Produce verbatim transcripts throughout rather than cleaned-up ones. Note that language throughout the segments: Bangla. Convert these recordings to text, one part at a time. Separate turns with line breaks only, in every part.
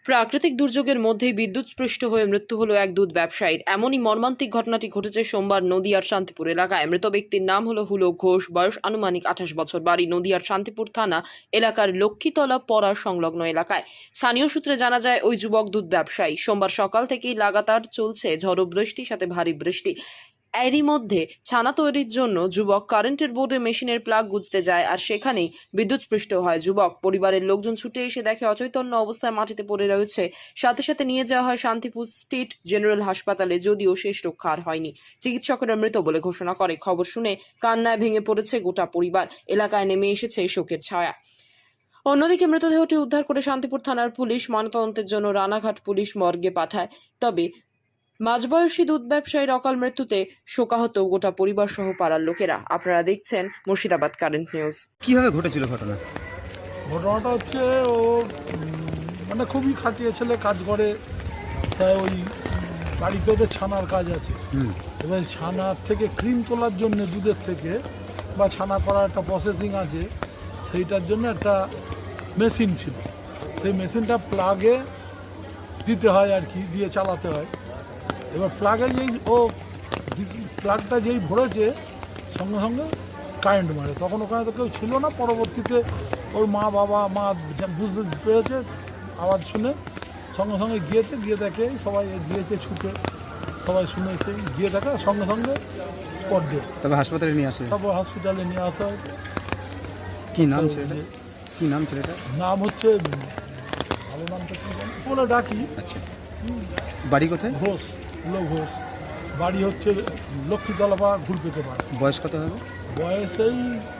প্রাকৃতিক দুর্যোগের মধ্যেই বিদ্যুৎস্পৃষ্ট হয়ে মৃত্যু হলো এক দুধ ব্যবসায়ীর। এমনই মর্মান্তিক ঘটনাটি ঘটেছে সোমবার নদিয়ার শান্তিপুর এলাকায়। মৃত ব্যক্তির নাম হলো হুলো ঘোষ, বয়স আনুমানিক আঠাশ বছর, বাড়ি নদিয়ার শান্তিপুর থানা এলাকার লক্ষ্মীতলা পড়া সংলগ্ন এলাকায়। স্থানীয় সূত্রে জানা যায়, ওই যুবক দুধ ব্যবসায়ী সোমবার সকাল থেকেই লাগাতার চলছে ঝড়ো বৃষ্টির সাথে ভারী বৃষ্টি। এরই মধ্যে ছানা তৈরির জন্য যুবক কারেন্টের বোর্ডে মেশিনের প্লাগ গুঁজতে যায়, আর সেখানেই বিদ্যুৎস্পৃষ্ট হয় যুবক। পরিবারের লোকজন ছুটে এসে দেখে অচৈতন্য অবস্থায় মাটিতে পড়ে রয়েছে। সাথে সাথে নিয়ে যাওয়া হয় শান্তিপুর স্টেট জেনারেল হাসপাতালে, যদিও শেষ রক্ষা আর হয়নি। চিকিৎসকেরা মৃত বলে ঘোষণা করে। খবর শুনে কান্নায় ভেঙে পড়েছে গোটা পরিবার। এলাকায় নেমে এসেছে শোকের ছায়া। অন্যদিকে মৃতদেহটি উদ্ধার করে শান্তিপুর থানার পুলিশ ময়নাতদন্তের জন্য রানাঘাট পুলিশ মর্গে পাঠায়। তবে মাঝবয়সী দুধ ব্যবসায়ীর অকাল মৃত্যুতে শোকাহত গোটা পরিবার সহ পাড়ার লোকেরা। আপনারা দেখছেন মুর্শিদাবাদ কারেন্ট নিউজ।
কিভাবে ঘটেছিল ঘটনা?
ঘটনাটা হচ্ছে ও উম, মানে খুবই খাটিয়ে ছেলে, কাজ করে, তাই ওই বাড়িতে ওদের ছানার কাজ আছে।
হুম।
এবার ছানার থেকে ক্রিম তোলার জন্য দুধের থেকে বা ছানা করার একটা প্রসেসিং আছে, সেইটার জন্য একটা মেশিন ছিল। সেই মেশিনটা প্লাগে দিতে হয় আর কি, দিয়ে চালাতে হয়। এবার প্লাগে যেই ও প্লাগটা যেই ভরেছে, সঙ্গে সঙ্গে কারেন্ট মারে। তখন ওখানে তো কেউ ছিল না। পরবর্তীতে ওর মা বাবা মা বুঝতে পেরেছে, আওয়াজ শুনে সঙ্গে সঙ্গে গিয়েছে, গিয়ে দেখে সবাই গিয়েছে ছুটে, সবাই শুনেছে, গিয়ে দেখে সঙ্গে সঙ্গে স্পট ডেট।
তবে হাসপাতালে নিয়ে আসে।
তারপর হসপিটালে নিয়ে আসা হয়।
কি নাম ছেলেটা? কি নাম ছেলেটা?
নাম হচ্ছে, ভালো নামটা কি জানি বলে ডাকি,
আচ্ছা, বাড়ি কোথায়?
ঘোষ, হুলো ঘোষ। বাড়ি হচ্ছে লক্ষ্মীতলা বা ঘুরপেতে পারে।
বয়স কত হবে?
বয়স এই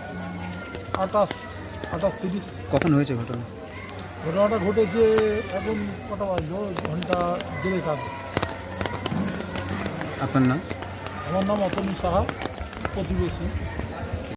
আঠাশ আঠাশ তিরিশ।
কখন হয়েছে ঘটনা?
ঘটনাটা ঘটেছে এখন কটা বাজলো, ঘন্টা দেড়েক আগে।
আপনার নাম?
আমার নাম অতনু সাহা, প্রতিবেশী।